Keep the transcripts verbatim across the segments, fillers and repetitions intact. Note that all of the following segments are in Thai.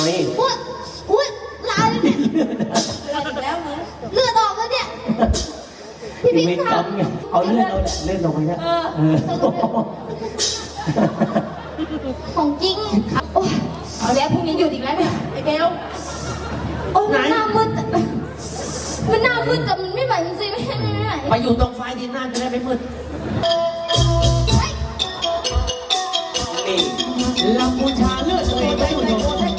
นี่อุ้ยอุ้ยลายเนี่ยแล้วเลือดออกแล้วเนี่ยพี่พี่ทำเอาเลื่อนเอาเลื่อนลงไปนะของจริงเอาแล้วพรุ่งนี้หยุดอีกแล้วเนี่ยไอ้เบลโอ้มันหน้ามืดมันหน้ามืดแต่มันไม่ไหวจริงๆไม่ไม่ไม่ไหวไปอยู่ตรงไฟดินหน้าจะได้ไม่มืดนี่ลำบูชาเลือดตัวเองได้หมดเลย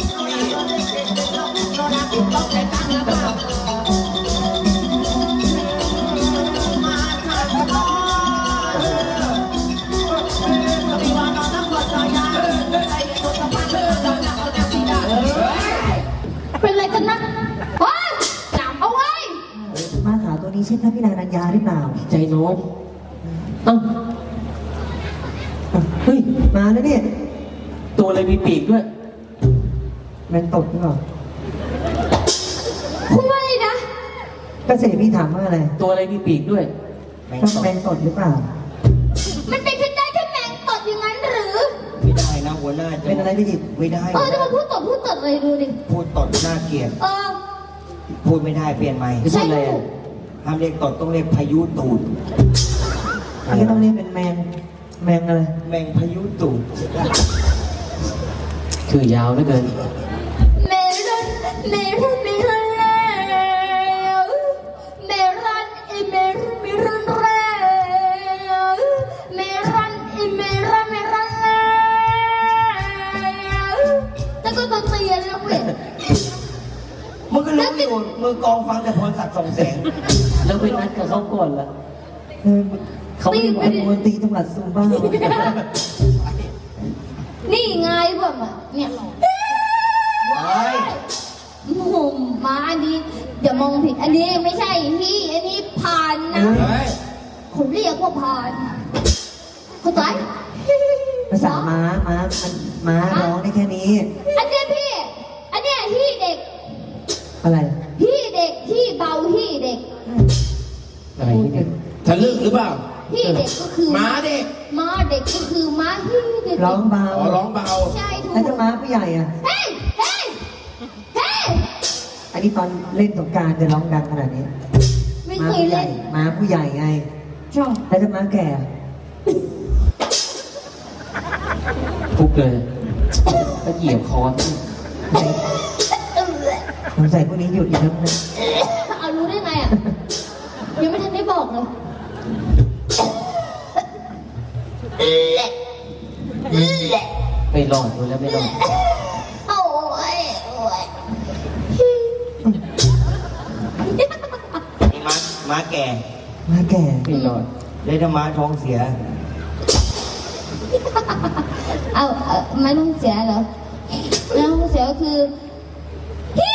เป็นไรกันนะเฮ้ยจับเอาไว้ม้าขาวตัวนี้ใช่พระพิรานัญญาหรือเปล่าใจโน้มเอ้าเฮ้ยมาแล้วเนี่ยตัวอะไรมีปีกด้วยแมงตดหรือเปล่าพูดว่าอะไรนะก็เสด็จพี่ถามว่าอะไรตัวอะไรมีปีกด้วยต้องแมงตดหรือเปล่ามันเป็นแค่ได้แค่แมงตดอย่างนั้นหรือไม่ได้นะหัวหน้าจะเป็นอะไรได้ยินไม่ได้เออจะมาพูดตดพูดตดเลยดูดิพูดตดน่าเกลียดเออพูดไม่ได้เปลี่ยนใหม่ใช่เลยห้ามเรียกตดต้องเรียกพายุตูดอันนี้ต้องเรียกเป็นแมงแมงอะไรแมงพายุตูดคือยาวเหลือเกินเมรันเมรันเมรันแล้วเมรันเอเมรันเมรันแล้วเมรันเอเมรันเมรันแล้วแล้วก็ตัวเตียนแล้วเว้ยมึงก็รู้อยู่มือกองฟังแต่พรศักดิ์ส่องแสงแล้วไปนัดกับเขาก่อนละเขาไม่รู้มนตรีจังหวัดซูบ้านี่ไงแบบเนี่ยมุมมาอันนี้อย่ามองผิดอันนี้ไม่ใช่ที่อันนี้ผ่านนะผมเรียกว่าผ่านเข้าใจภาษาม้าม้ามันม้าร้องได้แค่นี้อันเนี้ยพี่อันเนี้ยที่เด็กอะไรที่เด็กที่เบาที่เด็กอะไรเนี่ยทะลึ่งหรือเปล่าที่เด็กก็คือม้าเด็กม้าเด็กก็คือม้าที่เด็กร้องเบาอ๋อร้องเบาใช่ถูกแล้วจะม้าผู้ใหญ่อ่ะเฮ้ยเฮ้ยเฮ้ยอันนี้ตอนเล่นสงกรานต์จะร้องดังขนาดนี้ไม่เคยเล่นม้าผู้ใหญ่ไงชอบแล้วจะม้าแก่ฟุกเลยก็เหยียบคอสงสัยพวกนี้หยุดอีกแล้วนะเอารู้ได้ไงอ่ะยังไม่ทันได้บอกเลยไม่รอดดูแล้วไม่รอดโอ้ยโอ้ยนี่ม้าม้าแก่ม้าแก่ไม่รอดเลยถ้าม้าท้องเสียเอาเอาไม่ต้องเสียเหรอไม่ต้องเสียก็คือพี่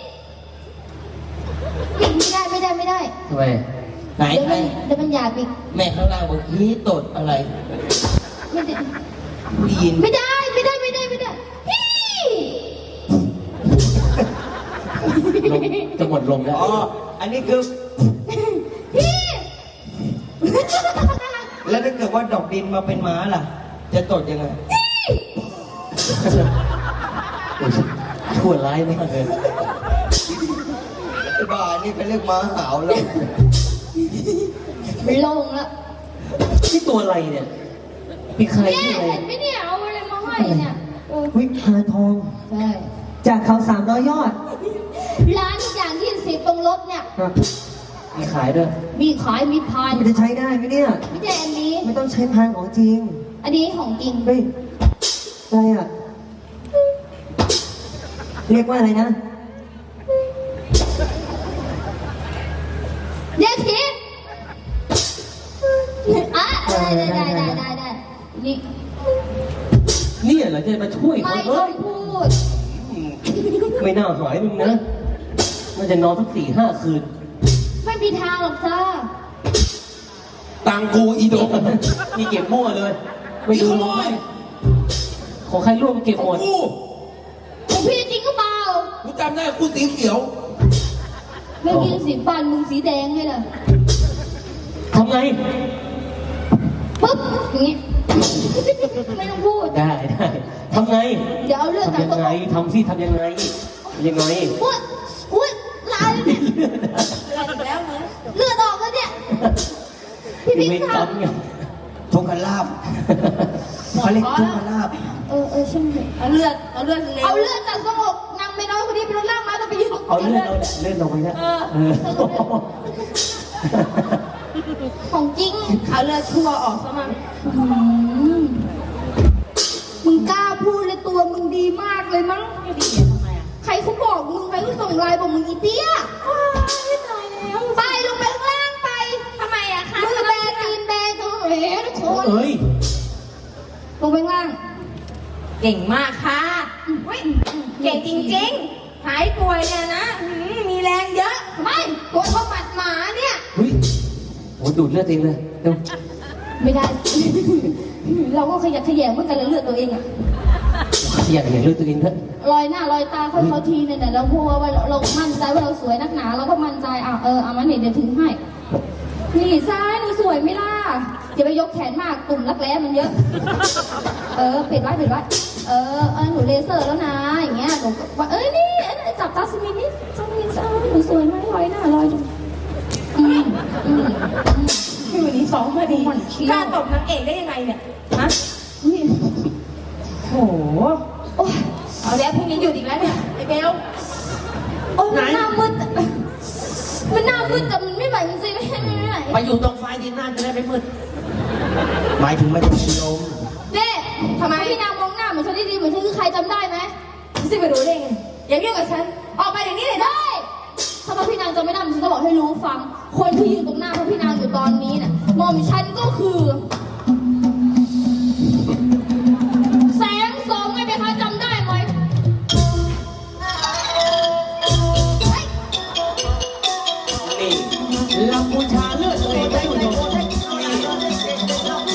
ไม่ได้ไม่ได้ไม่ได้ทำไมไหนไหนเดี๋ยวมันหยาบอีกแม่ข้างล่างบอกฮีตดอะไรไม่ได้ยินไม่ได้ไม่ได้ไม่ได้ไม่ได้พี่จะหมดลมแล้วอ๋ออันนี้คือพี่แล้วถ้าเกิดว่าดอกดินมาเป็นม้าล่ะจะตดยังไงชั่วร้ายมากเลยบ้านี่เป็นเรื่องม้าหาวแล้วไม่ลงแล้วนี่ตัวอะไรเนี่ยมีใครที่อะไรเห็นไหมเนี่ยเอาอะไรมาให้เนี่ยวิพาทองใช่จากเขาสามร้อยยอดร้านอย่างยี่สิบตรงรถเนี่ยมีขายด้วยมีขายมีพานมันจะใช้ได้ไหมเนี่ยไม่ใช่อันนี้ไม่ต้องใช้พานของจริงอันนี้ของจริงเฮ้ยอะไรอ่ะเรียกว่าอะไรนะเดี๋ยวทีอ่ะได้ได้ได้ได้ได้ได้นี่นี่เหรอจะมาช่วยไม่ต้องพูดไม่น่าหายมึงนะมันจะนอนสักสี่ห้าคืนไม่มีทางหรอกจ้าตังกูอีโดมีเก็บมั่วเลยไม่ดูลงไหมของใครร่วมเก็บหมดของพี่จริงก็เปล่ากูจำได้กูสีเขียวไม่กินสีปานมึงสีแดงเลยล่ะทำไงปุ๊บอย่างงี้ไม่ต้องพูดได้ได้ทำไงเดี๋ยวเอาเลือดจากทำยังตัวไงทำสิทำยังไงยังไงอุ้ยอุ้ยลายเนี่ยเลือดอีกแล้วเหรอเลือดออกแล้วเนี่ย พี่มีพี่เวรคกรรัรบมไงทุกขลาบเขาเรียกทุกขลาบเออเออช่างเถอะเอาเลือดเอาเลือดเร็วเอาเลือดจากสงบนางไม่น้อยคนนี้ไปลดล่างมาต้องไปยืนตรงเอาเลื่อนเลเอาเลื่อนลงไปนะเออเออของจริงเอาเลือดชั่วออกซะมั่งอืมมึงกล้าพูดเลยตัวมึงดีมากเลยมั้งไม่ดีอะทำไมอ่ะใครเขาบอกมึงใครเขาส่งไลน์บอกมึงอีเตี้ยว้ายไม่ตายแล้วไปลงไปข้างล่างไปทำไมอะคะมือแบนตีนแบนกันเหรทุกคนเอ้ยลงไปข้างล่างเก่งมากค่ะอุ๊ยเก่งจริงๆ หายป่วยเนี่ยนะหืมมีแรงเยอะไม่ตัวเท่าหมัดหมาเนี่ยเฮ้ยโอ้ดูดเลือดเองเลยเร็วไม่ได้ เราก็ขยักขยงเหมือนกันแล้วเลือดตัวเองอะอยากเห็นเลือดตัวเองเถอะรอยหน้ารอยตาค่อยเขาทีเนี่ยแล้วพูดว่าเราเรามั่นใจว่าเราสวยนักหนาเราก็มั่นใจอ่ะเออเอามาเนี่ยเดี๋ยวถึงให้ นี่ซ้ายหนูสวยไหมล่ะอย่าไปยกแขนมากตุ่มรักแร้มันเยอะ เออปิดไว้ปิดไว้เออเออหนูเลเซอร์แล้วนะอย่างเงี้ยหนูก็ว่าเอ้ยนี่เอ้ยจับตาสมินนี่จับมินซ้ายหนูสวยไหมรอยหน้ารอยดูอืมอืมอืมพี่วันนี้ซ้อมมาดีมันเชี่ยวกล้าตบนางเอกได้ยังไงเนี่ย ฮะนี่โอ้โหโอ้ยเอาแล้วพรุ่งนี้หยุดอีกแล้วเนี่ยไอ้เบลโอ้ยมันหน้ามืดมันหน้ามืดแต่มันไม่ไหวจริงๆไม่ไม่ไม่ไหวไปอยู่ตรงไฟที่หน้าจะได้ไม่มืดหมายถึงไม่ได้ชิลมเน่ทำไมพี่นางมองหน้าเหมือนฉันได้ดีเหมือนฉันคือใครจำได้ไหมจะไปรู้ได้ไง อย่าเรียกกับฉัน ออกไปเดี๋ยวนี้เลยนะได้ถ้าว่าพี่นางจำไม่ได้ฉันจะบอกให้รู้ฟัง คนที่อยู่ตรงหน้าพระพี่นางอยู่ตอนนี้น่ะหม่อมฉันก็คือ แสงสองไงไปคะจำได้ไหมนี่ลำบูชาเลือดตัวเองได้คุณผู้ชมนี่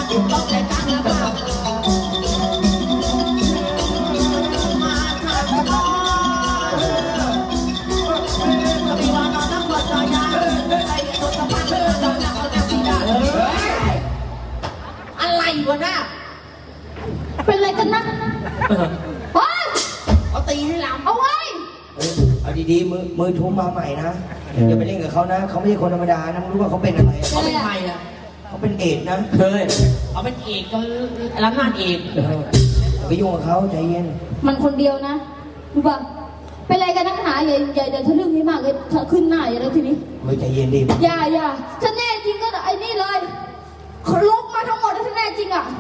อะไรวะน่ะเป็นอะไรกันนะเฮ้ยเอาตีให้ลำเอาไว้เฮ้ยเอาดีๆมือมือทุ่มมาใหม่นะอย่าไปเล่นกับเขานะเขาไม่ใช่คนธรรมดานะไม่รู้ว่าเขาเป็นอะไรเขาเป็นใครอ่ะเขาเป็นเอดส์นะเคยเขาเป็นเอกก็รับงานเอกอย่าไปยุ่งกับเขาใจเย็นมันคนเดียวนะรู้ป่ะเป็นอะไรกันนักหนาอย่าอย่าอย่าทะลึ่งให้มากเลยเธอขึ้นหน้าอย่าเลยทีนี้เฮ้ยใจเย็นดิอย่าอย่าถ้าแน่จริงก็ไอ้นี่เลยเขาลบมาทั้งหมดถ้าแน่จริงอ่ะ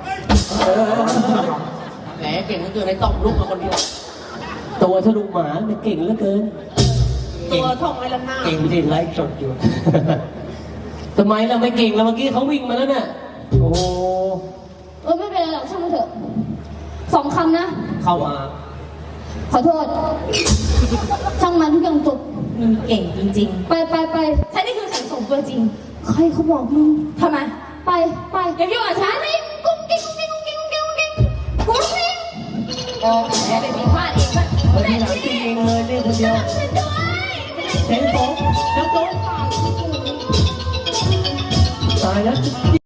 แหมเก่งเหลือเกินไอ้ต้องลุกมาคนเดียวตัวทะลุหมาเนี่ยเก่งเหลือเกินตัวท่องไว้ลำหน้าเก่งจริงไลฟ์สดอยู่ ทำไมเราไม่เก่งแล้วเมื่อกี้เขาวิ่งมาแล้วเนี่ยโอ้โหเออไม่เป็นไรหรอกช่างมันเถอะสองคำนะเข้ามาขอโทษ ช่างมันทุกอย่างจบมึงเก่งจริงไปไปไปๆฉันนี่คือแสงส่งตัวจริงใครเขาบอกมึงทำไมไปไปอย่ายุ่งกับฉันกุ้งกิ้งกุ้งกิ้งกุ้งกิ้งกุ้งกิ้งกุ้งกิ้งกุ้งกิ้งโอ้แหมเป็นผีพลาดเองป่ะเฮ้ยทีหลังจริงเลยนี่คนเดียวช่วยด้วยเสียงสองแล้วโต๊ะตายแล้ว